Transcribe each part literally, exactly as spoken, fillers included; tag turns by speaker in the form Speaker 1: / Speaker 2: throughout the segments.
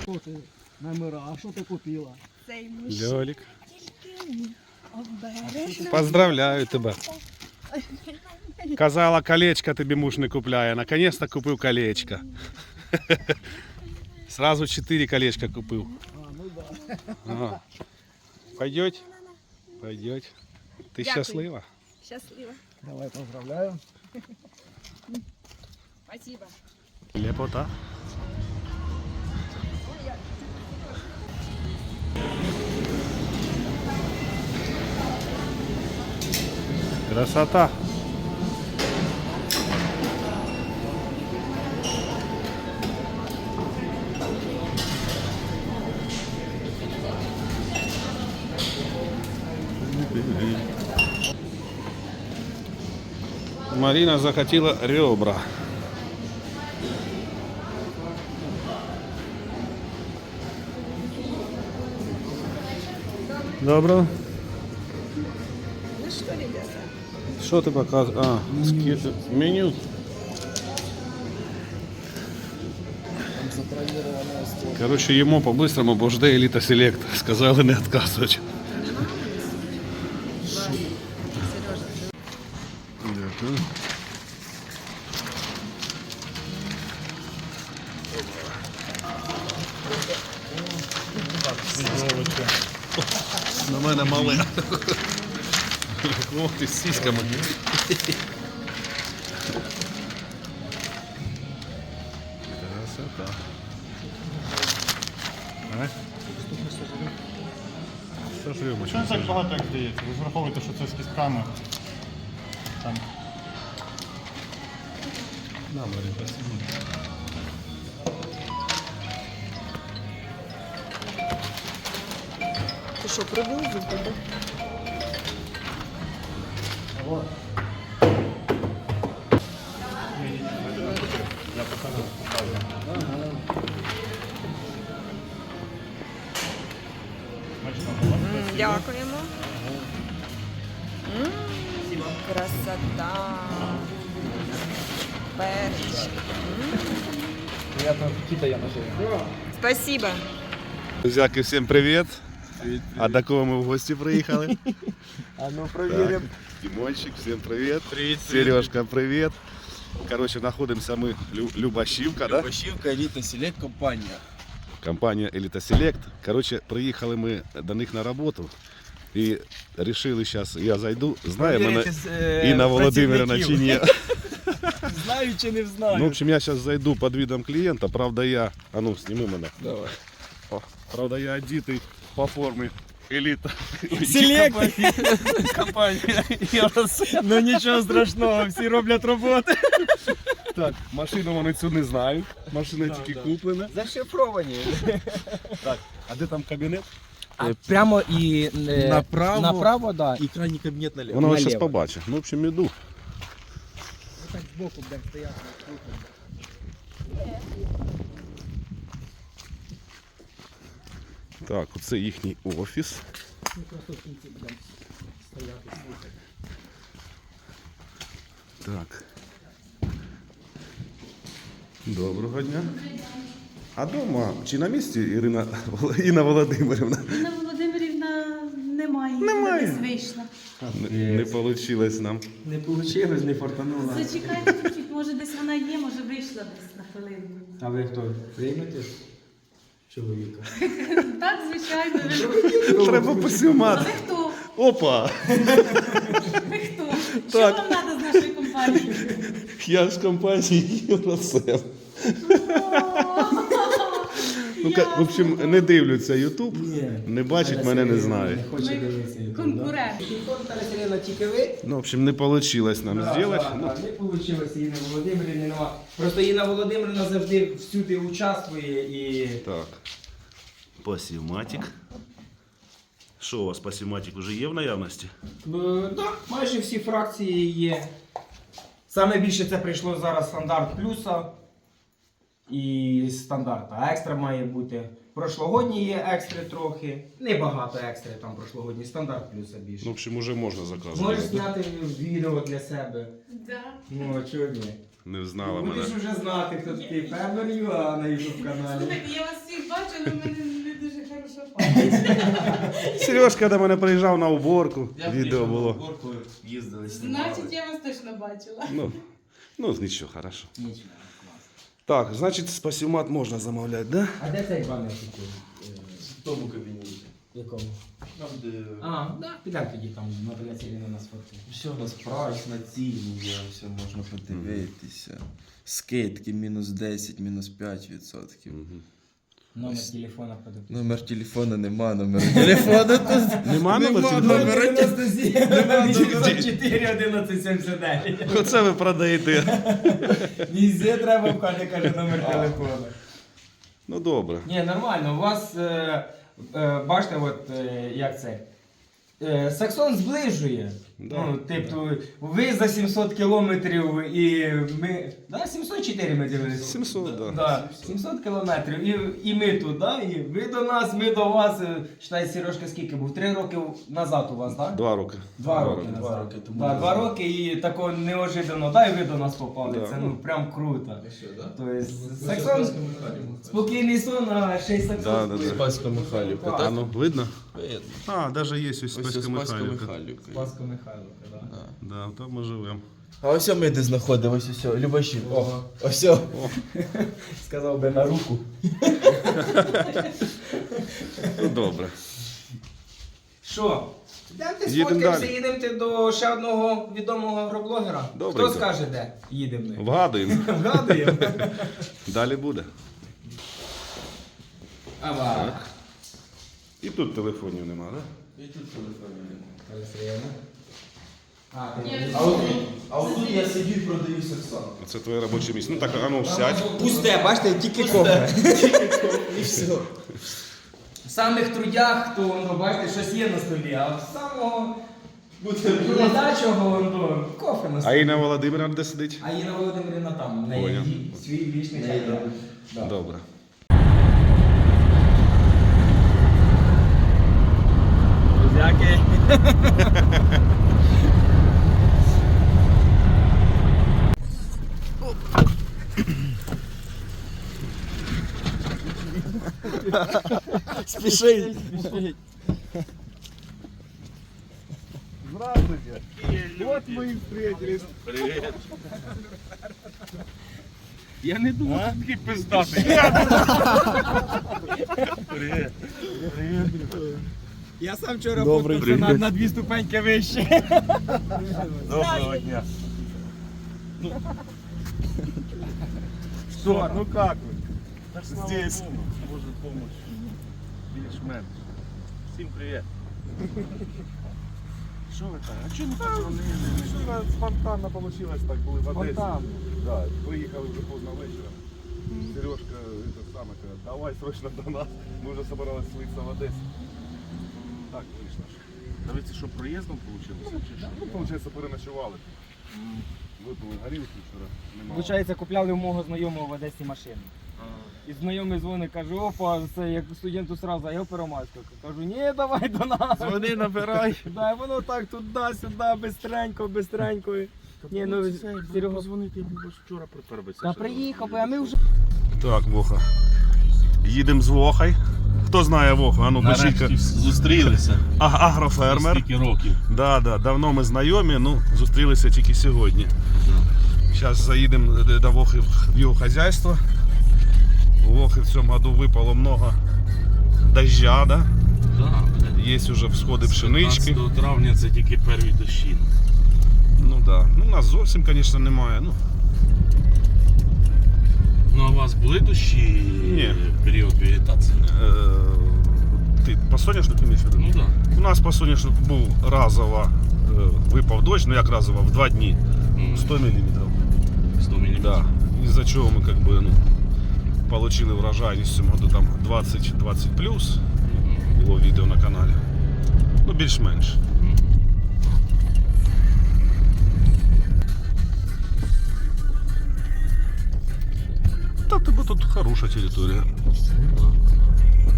Speaker 1: Що ти номера? А що ти купила?
Speaker 2: Цей мужчина.
Speaker 3: Льолік.
Speaker 2: Обережно.
Speaker 3: Поздравляю тебе. Казала, колечко тобі муж не купляє. Наконец-то купив колечко. Сразу чотири колечка купив.
Speaker 1: А, ну да.
Speaker 3: Ага. Пойдеть? Пойдеть. Ти
Speaker 2: Дякую.
Speaker 3: щаслива?
Speaker 2: Щасливо.
Speaker 1: Давай поздравляю.
Speaker 2: Спасибо.
Speaker 3: Лепота. Красота. Марина захотела ребра. Добро.
Speaker 2: Ну что, ребята?
Speaker 3: Что ты показываешь? А, меню. меню.
Speaker 1: Там забронированная стол.
Speaker 3: Короче, ему по-быстрому, бо жде Еліта Селект. Сказали не відказувати. Дякую. На мене мале. Ох ти з сіськами. Красота. А? Що ж рюмочка?
Speaker 4: Чому так багато, як здається? Ви ж враховуєте, що це з кістками. Там.
Speaker 3: На, Марі, спасибо.
Speaker 2: Ти що, пробув зуби?
Speaker 1: Вот.
Speaker 2: Дякуємо. М, Красота. Перчик.
Speaker 1: Приятного аппетита, я наживу.
Speaker 2: Спасибо.
Speaker 3: Друзяки, всім привіт. А до кого ми в гості приїхали?
Speaker 1: А ну проверим.
Speaker 3: Дімончик, всім привіт. Привіт. Сережка, привіт. Коротше, знаходимося ми Лю- Любашівка, да?
Speaker 5: Любашівка, Еліта Селект компанія.
Speaker 3: Компанія Еліта Селект. Коротше, приїхали ми до них на роботу і вирішили, зараз я зайду. Знає мене Інна Володимирівна чи ні.
Speaker 5: Знаю чи не знаю.
Speaker 3: Ну, в общем, я зараз зайду під видом клієнта. Правда, я, а ну, сніми мене.
Speaker 5: Давай.
Speaker 3: О, правда, я одітий по формі Еліта.
Speaker 5: Селект компанія. Ну нічого страшного, всі роблять роботи.
Speaker 3: Так, машину вони цю не знають. Машина тільки куплена.
Speaker 5: Зашифровані.
Speaker 3: Так, а де там кабінет?
Speaker 5: Прямо і е,
Speaker 1: Направо.
Speaker 5: направо, да.
Speaker 1: И крайний кабинет налево.
Speaker 3: Вона зараз
Speaker 5: наліво.
Speaker 3: побачить. Ну, в общем, іду.
Speaker 1: Так сбоку будем стоять.
Speaker 3: Так, оце їхній офіс. Так. Доброго дня. А дома чи на місці Ірина Інна Володимирівна?
Speaker 6: Інна Володимирівна немає,
Speaker 3: Немає.
Speaker 6: десь вийшла.
Speaker 3: Не, не вийшло нам.
Speaker 5: Не вийшло, не фортануло.
Speaker 6: Зачекайте чуть-чуть, може десь вона є, може вийшла десь на хвилину.
Speaker 5: А ви хто? Приймете чоловіка?
Speaker 6: Так, звичайно. Ви,
Speaker 3: Треба
Speaker 6: а
Speaker 3: посімати.
Speaker 6: ви хто?
Speaker 3: Опа!
Speaker 6: Ви хто? Що
Speaker 3: Так.
Speaker 6: вам треба з нашої компанії?
Speaker 3: Я з компанії Євросем. Ну, ка- в общем, не дивляться Ютуб, не бачать мене, не знають.
Speaker 5: Не хоче дивитися.
Speaker 6: Конкурент.
Speaker 5: Селена тільки ви.
Speaker 3: Ну, в общем, не вийшло нам зробити. Ну,
Speaker 5: Не вийшло Інна Володимирівна нема. Просто Інна Володимирівна завжди всюди участвує і...
Speaker 3: так. Пасівматик. Що у вас пасівматик вже є в наявності?
Speaker 5: Так, да, майже всі фракції є. Саме більше це прийшло зараз стандарт плюса і стандарт. А екстра має бути Прошлогодні є екстри трохи. Небагато екстри, там прошлогодні, стандарт плюса більше.
Speaker 3: Ну, в общем, уже можна заказувати.
Speaker 5: Можеш зняти відео для себе.
Speaker 6: Да.
Speaker 5: Ну, а чого ні?
Speaker 3: Не знала
Speaker 5: Будеш
Speaker 3: мене.
Speaker 5: вже знати, хто такий Федор Юа на ютуб каналі.
Speaker 6: Слухайте, я вас всіх бачу, але в мене не дуже хороша пам'ять.
Speaker 3: Сережка до мене приїжджав на уборку. Відео було.
Speaker 1: Горку їздили,
Speaker 6: Значить, я вас точно бачила.
Speaker 3: Ну, ну нічого, хорошо. Так, значить, спасімат можна замовляти, да?
Speaker 5: А де цей банер такий?
Speaker 1: В тому кабінеті.
Speaker 5: Якому?
Speaker 1: Там, де...
Speaker 5: А, да, підемо тоді там Наталя Сергіївна нас фоткає.
Speaker 1: Все у нас прайс на ціні є, все можна подивитися. Скидки мінус десять, мінус п'ять відсотків.
Speaker 5: Номер телефона подав.
Speaker 1: Номер телефона нема, номер телефона тут.
Speaker 3: Нема номер телефону?
Speaker 5: дев'яносто сім, дев'ятсот чотири, одинадцять сімдесят дев'ять.
Speaker 3: Оце ви продаєте.
Speaker 5: Везде треба вкати, каже, номер телефона.
Speaker 3: Ну добре.
Speaker 5: Ні, нормально, у вас, е, е, бачите, от, е, як це, е, Саксон зближує.
Speaker 3: Да,
Speaker 5: Ну, типу, ви за сімсот кілометрів і ми, да, сімсот чотири ми дивилися.
Speaker 3: сімсот, да.
Speaker 5: Да, сімсот кілометрів, і, і ми тут, да, і ви до нас, ми до вас, е, считай, Сережка скільки був, три роки назад у вас, так? Да?
Speaker 3: Два роки.
Speaker 5: Два роки
Speaker 1: Два
Speaker 5: назад.
Speaker 1: роки тому
Speaker 5: Да,
Speaker 1: назад.
Speaker 5: два роки і такого неожиданно, да, і ви до нас попали,
Speaker 3: Да.
Speaker 5: це ну прям круто.
Speaker 1: Все, да?
Speaker 5: Тобто, Саксон, спокійний сон, а ще й Саксон.
Speaker 3: Да, да, да.
Speaker 1: Спаська Михайлівка,
Speaker 3: А
Speaker 1: так?
Speaker 3: ну, видно?
Speaker 1: Видно.
Speaker 3: А, навіть є ось
Speaker 1: Ось
Speaker 3: Спаська
Speaker 1: Спаська
Speaker 3: Михайлівка.
Speaker 1: Михайлівка.
Speaker 5: Спаска Михайловка, да.
Speaker 1: Да.
Speaker 3: Да, там ми живемо.
Speaker 1: А ось ми де знаходимося, ось, ось, Любашів. О, ось. О.
Speaker 5: Сказав би на руку.
Speaker 3: Ну добре.
Speaker 5: Що? Йдемте
Speaker 3: Їдемо
Speaker 5: сфоткаємося,
Speaker 3: далі.
Speaker 5: їдемо до ще одного відомого агроблогера.
Speaker 3: Добренько.
Speaker 5: Хто скаже, де їдемо ми?
Speaker 3: Вгадуємо.
Speaker 5: Вгадуємо.
Speaker 3: Далі буде.
Speaker 5: Ава.
Speaker 3: І тут телефонів нема, так?
Speaker 1: І тут телефонів немає.
Speaker 5: Красиво. А, ти
Speaker 6: Ні.
Speaker 1: А отут, а отут я сидю і продаю Саксон.
Speaker 3: Це твоє робоче місце. Ну так, а ну сядь.
Speaker 5: Пусте, бачите, тільки кофе.
Speaker 1: І все.
Speaker 5: В самих трудях, то воно, бачите, щось є на столі, а в самого
Speaker 1: Буде
Speaker 5: ледачого воно кофе на
Speaker 3: А
Speaker 5: столі.
Speaker 3: Інна Володимирівна де сидить?
Speaker 5: А Інна Володимирівна там, в
Speaker 3: Поняв.
Speaker 5: неї свій вічний
Speaker 1: Неї,
Speaker 5: чай.
Speaker 1: да.
Speaker 5: Да.
Speaker 3: Добре.
Speaker 5: Друзяки. Спішить.
Speaker 3: Здравствуйте. Вот мы и встретились. Привет. Я не думав, що такий пиздатий. Привет.
Speaker 5: Я сам вчора фоткався на, на дві ступеньки вище.
Speaker 3: Доброго дня.
Speaker 5: Що,
Speaker 3: Ну как вы? Здесь. Может помочь. Більш-менш. Всім привіт. Що ви так? А чого не позвонили? Що на спонтанно вийшло, так були в Одесі.
Speaker 5: Спонтанно?
Speaker 3: Да, виїхали вже поздно вечором. Сережка, это саме, каже, давай срочно до нас. Ми вже собирались слитися в Одесі. Так, вийшло.
Speaker 7: Дивіться, що проїздом вийшло?
Speaker 3: Ну, виходить, переночували. Випили горілки вчора. Немало.
Speaker 5: Получається, купляли у мого знайомого в Одесі машину. І знайомий дзвонить, каже, опа, це як студенту сразу, а я Первомайську. Кажу, ні, давай до нас.
Speaker 7: Дзвони, набирай.
Speaker 5: Да, і воно так туди-сюди, бистренько, бистренько. Ні, ну, Серега,
Speaker 7: Позвонити, бо ж вчора припербиться.
Speaker 5: та приїхав, би, а ми вже...
Speaker 3: Так, Воха. Їдемо з Вохой. Хто знає Воху? А ну,
Speaker 7: Нарешті
Speaker 3: пишіть.
Speaker 7: зустрілися.
Speaker 3: А, агрофермер.
Speaker 7: Скільки років.
Speaker 3: Да, да, давно ми знайомі, ну, зустрілися тільки сьогодні. Зараз заїдемо до Вохи в його хазяйство. У Вохи в цьому году випало много дождя, да?
Speaker 7: Да,
Speaker 3: Є вже всходи пшенички.
Speaker 7: п'ятнадцятого травня це тільки перві дощі.
Speaker 3: Ну да. Ну, у нас зовсім, звісно, немає. Ну,
Speaker 7: Ну а у вас були дощі
Speaker 3: Ні.
Speaker 7: в період вегетації?
Speaker 3: е, ти по соняшнику маєш в виду?
Speaker 7: Ну так. Да.
Speaker 3: У нас по соняшнику був разово е, випав дощ, ну як разово, в два дні.
Speaker 7: М,
Speaker 3: сто міліметрів.
Speaker 7: сто міліметрів.
Speaker 3: Да. Из-за чего мы как бы ну, получили урожайність в цьому году там двадцять двадцять плюс. Було відео на каналі. Ну, більш-менш. Та тебе тут хороша територія.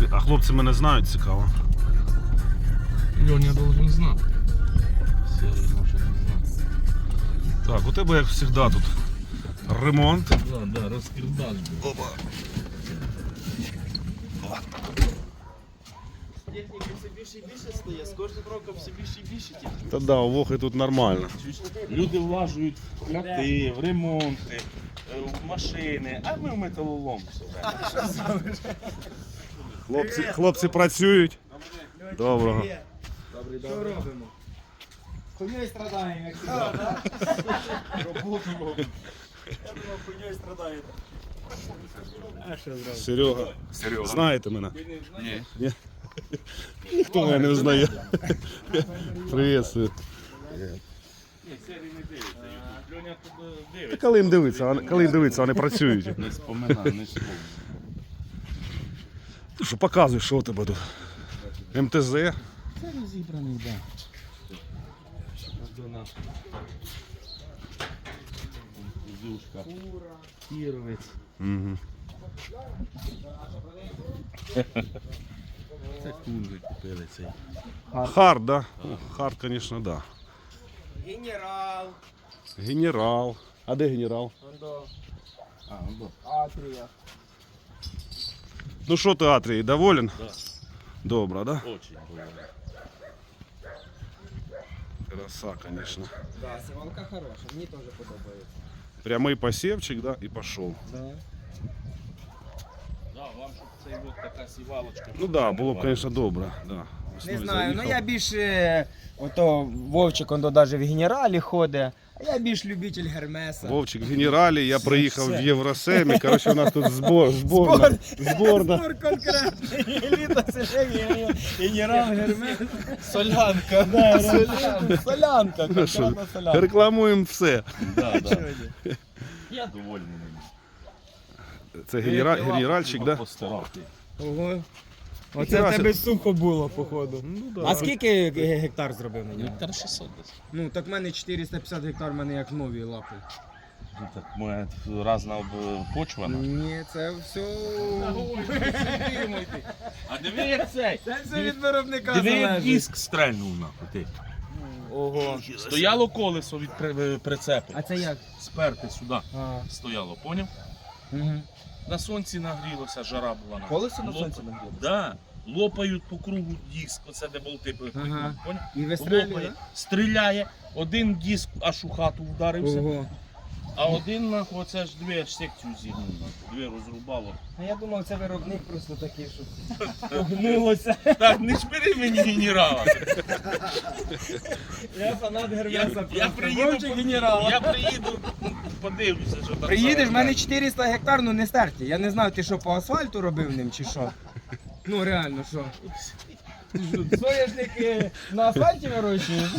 Speaker 3: А хлопці мене знають, цікаво.
Speaker 7: Льоня должен знати. Серий може не знати.
Speaker 3: Так, у тебе, як завжди, тут ремонт.
Speaker 7: Да, да, розкидаш. Опа.
Speaker 1: Техніки все більше і більше стає, з кожним роком все більше і більше техніки.
Speaker 3: Та да, у Вохи тут нормально.
Speaker 7: Люди влажують в хати, в ремонти, е, в машини, а ми в металолом все.
Speaker 3: Хлопці, хлопці працюють. Доброго.
Speaker 5: Що робимо? Хуйньою страдаємо, як завжди, так? Роботу робимо. Я думав, хуйньою страдаєте. А що зробити?
Speaker 3: Серега. Серега. Знаєте мене?
Speaker 7: Ні.
Speaker 3: Ні? Ніхто мене не знає. Привіт.
Speaker 7: Ні, Серій не дивиться. Льоня тут
Speaker 3: Та
Speaker 7: дивиться.
Speaker 3: коли їм дивиться, вони- коли їм дивиться, вони працюють.
Speaker 7: Не споминай, не споминай.
Speaker 3: Ти що, показуй, що у тебе тут? ем те зет?
Speaker 7: Це розібраний, так. До нас. Кузушка. Кіровець.
Speaker 3: Угу.
Speaker 7: Це кунги купили цей.
Speaker 3: Хард, да? Ну, Хард, звісно, да.
Speaker 5: Генерал.
Speaker 3: Генерал. А де генерал?
Speaker 5: Ондо.
Speaker 7: А, ну,
Speaker 5: Атрія.
Speaker 3: Ну що ти, Атрій, доволен?
Speaker 7: да.
Speaker 3: Добре, да?
Speaker 7: Очень було.
Speaker 3: Краса, звісно.
Speaker 5: Да, сівалка хороша, мені теж подобається.
Speaker 3: Прямий посівчик, да, і пішов.
Speaker 5: Да.
Speaker 7: Да, вам щоб цей от така сівалочка.
Speaker 3: Ну так, да, було б, звісно, добре. Да.
Speaker 5: Не
Speaker 3: Весною
Speaker 5: знаю, ну
Speaker 3: заїхав.
Speaker 5: я більше, ото Вовчик, он навіть в генералі ходить, а я більш любитель Гермеса.
Speaker 3: Вовчик в генералі, я приїхав в Євросемі, коротше, у нас тут збор, зборна. зборна.
Speaker 5: Спор конкретний, еліта селення, генерал Гермес.
Speaker 7: Солянка.
Speaker 5: Да, солянка, солянка,
Speaker 3: Ну що,
Speaker 5: конкретна солянка.
Speaker 3: рекламуємо все.
Speaker 7: Да, да. Я довольний.
Speaker 3: Це генера... генеральчик, да?
Speaker 7: Постарати.
Speaker 5: Ого. Оце
Speaker 3: Ніхера
Speaker 5: в тебе сухо було, походу.
Speaker 3: Ну, да.
Speaker 5: А скільки ге- гектар зробив на ньому?
Speaker 7: Гектар шістсот десь.
Speaker 5: Ну, так в мене чотириста п'ятдесят гектар, в мене як нові лапи.
Speaker 7: Ну, так моя разна об- почва.
Speaker 5: Ні, це все...
Speaker 7: А диви як цей.
Speaker 5: Це все від виробника
Speaker 7: Диви як
Speaker 5: залежить.
Speaker 7: диск стрельнув нахуй ти.
Speaker 5: Ого.
Speaker 7: Стояло колесо від при- прицепу.
Speaker 5: А це як?
Speaker 7: Сперти сюди
Speaker 5: А.
Speaker 7: стояло, поняв?
Speaker 5: Угу.
Speaker 7: На сонці нагрілося, жара була. нахуй.
Speaker 5: Колесо на
Speaker 7: Лоп-
Speaker 5: сонці нагрілося?
Speaker 7: Да. Лопають по кругу диск, оце де болти
Speaker 5: Ага.
Speaker 7: поняв?
Speaker 5: І вистрілює,
Speaker 7: Лопає, стріляє, один диск аж у хату вдарився,
Speaker 5: Ого.
Speaker 7: а один нахуй, оце ж дві аж секцію зігнув, нахуй, дві розрубало.
Speaker 5: А я думав, це виробник просто такий, що погнулося.
Speaker 7: Так, не шпири мені генерала.
Speaker 5: Я фанат
Speaker 7: Я,
Speaker 5: Гермеса.
Speaker 7: я приїду,
Speaker 5: Вовчик генерала.
Speaker 7: я приїду, подивлюся, що там.
Speaker 5: Приїдеш, в
Speaker 7: зараз
Speaker 5: мене
Speaker 7: буде.
Speaker 5: чотириста гектар, ну не стерті. Я не знаю, ти що по асфальту робив ним чи що. Ну реально, що? Ти що, соняшники на асфальті вирощуєш?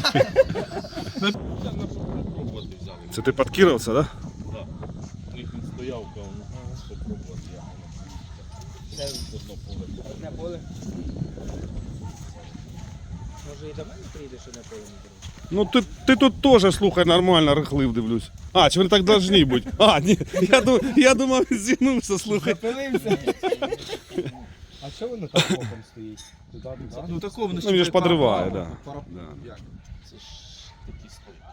Speaker 7: Попробувати взяли.
Speaker 3: Це ти під Кіровця, да?
Speaker 7: Да. У них він стояв, кав, ну, попробувати я. Це одно поле.
Speaker 5: Одне поле. Може і до мене приїдеш, що на поле не приїдеш?
Speaker 3: Ну ти, ти тут теж, слухай, нормально рихлив, дивлюсь. А, чи вони так повинні бути? А, ні, я, ду- я думав, він зігнувся, слухай.
Speaker 5: Запилився. А що воно так боком стоїть? Туди, туди?
Speaker 1: Ну такого воно
Speaker 3: Ну він ж подриває, да. Да.
Speaker 7: Це ж такі стойки.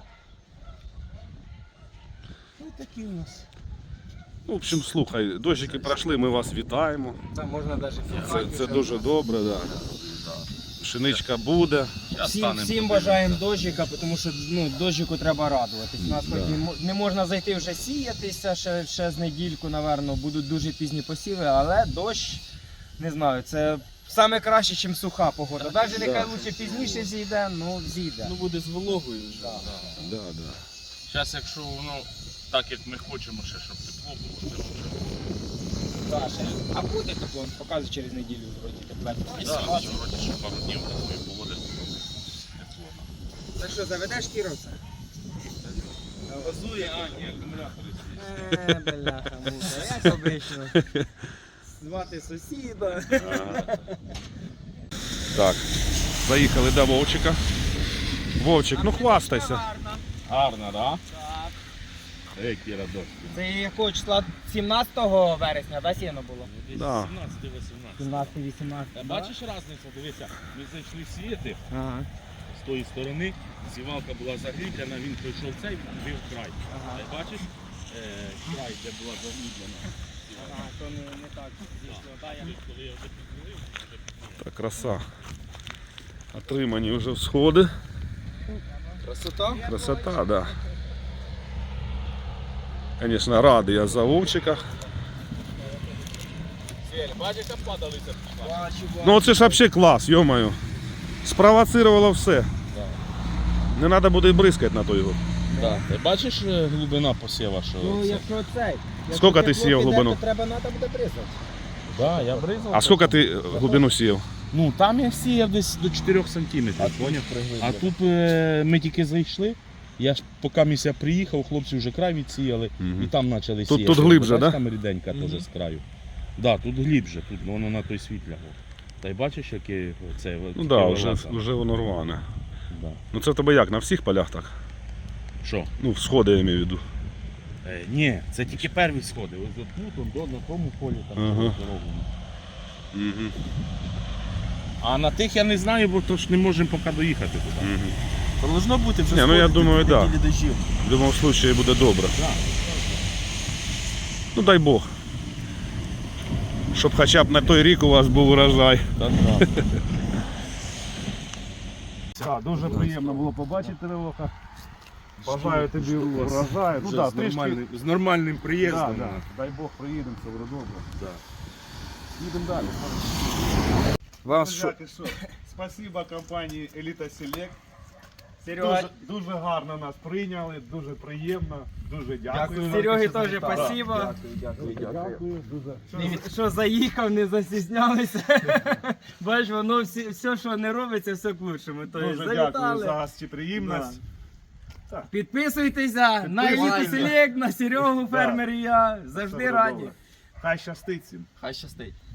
Speaker 7: Ну такі у нас.
Speaker 3: Ну, в общем, слухай, дощики пройшли, ми вас вітаємо.
Speaker 5: Там можна навіть
Speaker 3: Це, це дуже добре, да. Пшеничка буде.
Speaker 5: Всім, всім бажаємо дощика, тому що ну, дощику треба радуватись. У нас хоч не, мо- не можна зайти вже сіятися, ще, ще з недільку, напевно, будуть дуже пізні посіви, але дощ, не знаю, це саме краще, ніж суха погода. Навіть нехай лучше пізніше зійде, ну зійде.
Speaker 7: Ну буде з вологою вже.
Speaker 5: Да.
Speaker 3: Да, да.
Speaker 7: Зараз, якщо воно так, як ми хочемо, ще щоб тепло було, то
Speaker 5: Да, ще. А буде тепло, показує через неділю вроді тепло.
Speaker 7: да, вроді ще пару днів такої погоди тепло.
Speaker 5: Так що, заведеш Кіровця?
Speaker 7: Газує, а, ні, акумулятори.
Speaker 5: Е, бляха, муха, як обично. Звати сусіда.
Speaker 3: Так, заїхали до Вовчика. Вовчик, ну хвастайся.
Speaker 7: Гарно, да? Які радості.
Speaker 5: Це якого числа? сімнадцятого вересня, да, сіно було?
Speaker 3: Да.
Speaker 7: сімнадцятий вісімнадцятий.
Speaker 5: сімнадцятого вісімнадцятого.
Speaker 7: Бачиш різницю? Дивися, ми зайшли сіяти
Speaker 5: Ага.
Speaker 7: з тої сторони, сівалка була загріблена, він пройшов цей, бив край.
Speaker 5: Ага.
Speaker 7: Та й бачиш, е, край, де була загріблена.
Speaker 5: Ага, то не, не так зійшло. Да, я...
Speaker 7: Коли я вже підзорив,
Speaker 3: Так, краса. Отримані вже всходи.
Speaker 1: Красота?
Speaker 3: Красота, да. Звісно, радий я за Вовчика.
Speaker 7: бачиш, як падалися.
Speaker 3: Ну це ж взагалі клас, йомаю. Спровоцировало все. Не треба буде і бризкати на той год.
Speaker 7: Да. Ти бачиш е, глибина посіва, що
Speaker 5: Ну,
Speaker 7: це?
Speaker 5: якщо цей.
Speaker 3: Скільки ти сіяв глибину?
Speaker 5: То треба, треба буде бризати.
Speaker 7: Да, я бризав.
Speaker 3: А скільки ти глибину сіяв?
Speaker 7: Ну там я сіяв десь до чотирьох сантиметрів, поняв? А тут е, ми тільки зайшли, я ж поки місяць приїхав, хлопці вже край відсіяли
Speaker 3: Мгм.
Speaker 7: і там почали
Speaker 3: Тут-
Speaker 7: сіяти.
Speaker 3: тут глибже,
Speaker 7: Бачиш,
Speaker 3: да?
Speaker 7: Там ріденька теж з краю. Да, тут глибже, тут воно на той світ лягло. Та й бачиш, яке це
Speaker 3: Ну
Speaker 7: таке
Speaker 3: так, да, вже,
Speaker 7: волоса?
Speaker 3: вже воно рване.
Speaker 7: Да.
Speaker 3: Ну це в тебе як, на всіх полях так?
Speaker 7: Що?
Speaker 3: Ну, всходи я маю в виду.
Speaker 7: Е, ні, це тільки перві сходи. Ось тут, он, до, на тому полі там
Speaker 3: Ага.
Speaker 7: дорогу.
Speaker 3: Угу.
Speaker 7: А на тих я не знаю, бо то ж не можемо поки доїхати туди.
Speaker 3: Угу.
Speaker 1: Должно бути вже
Speaker 3: Ні, ну, я
Speaker 1: сходити
Speaker 3: думаю,
Speaker 1: дві
Speaker 3: да.
Speaker 1: неділі дощів.
Speaker 3: В будь-якому випадку буде добре.
Speaker 7: Да.
Speaker 3: Ну дай Бог. Щоб хоча б на той рік у вас був урожай. Так, дуже приємно було побачити Леоха. Бажаю тобі урожаю. Ну, да,
Speaker 7: з,
Speaker 3: трішки...
Speaker 7: нормальним, з нормальним
Speaker 3: да,
Speaker 7: приїздом.
Speaker 3: да. Дай Бог приїдемо, все буде добре.
Speaker 7: Да.
Speaker 3: Їдемо далі.
Speaker 1: Вам що?
Speaker 3: Друзяки, що? Спасибо компанії Еліта Селект.
Speaker 5: Серега,
Speaker 3: Дуже, дуже гарно нас прийняли, дуже приємно, дуже дякую.
Speaker 5: Сереги теж спасибо.
Speaker 1: Дякую, дякую, дякую.
Speaker 3: Дякую, дуже.
Speaker 5: І що заїхав, не застіснялися. Бачиш, воно всі, все, що не робиться, все к лучшому. Тобто,
Speaker 3: Дуже дякую за
Speaker 5: завітали.
Speaker 3: гостеприємність.
Speaker 5: Підписуйтеся на Еліту Селект, на Серегу, фермер і я. Завжди
Speaker 3: Все буде
Speaker 5: раді.
Speaker 3: добре. Хай щастить всім.
Speaker 1: Хай щастить.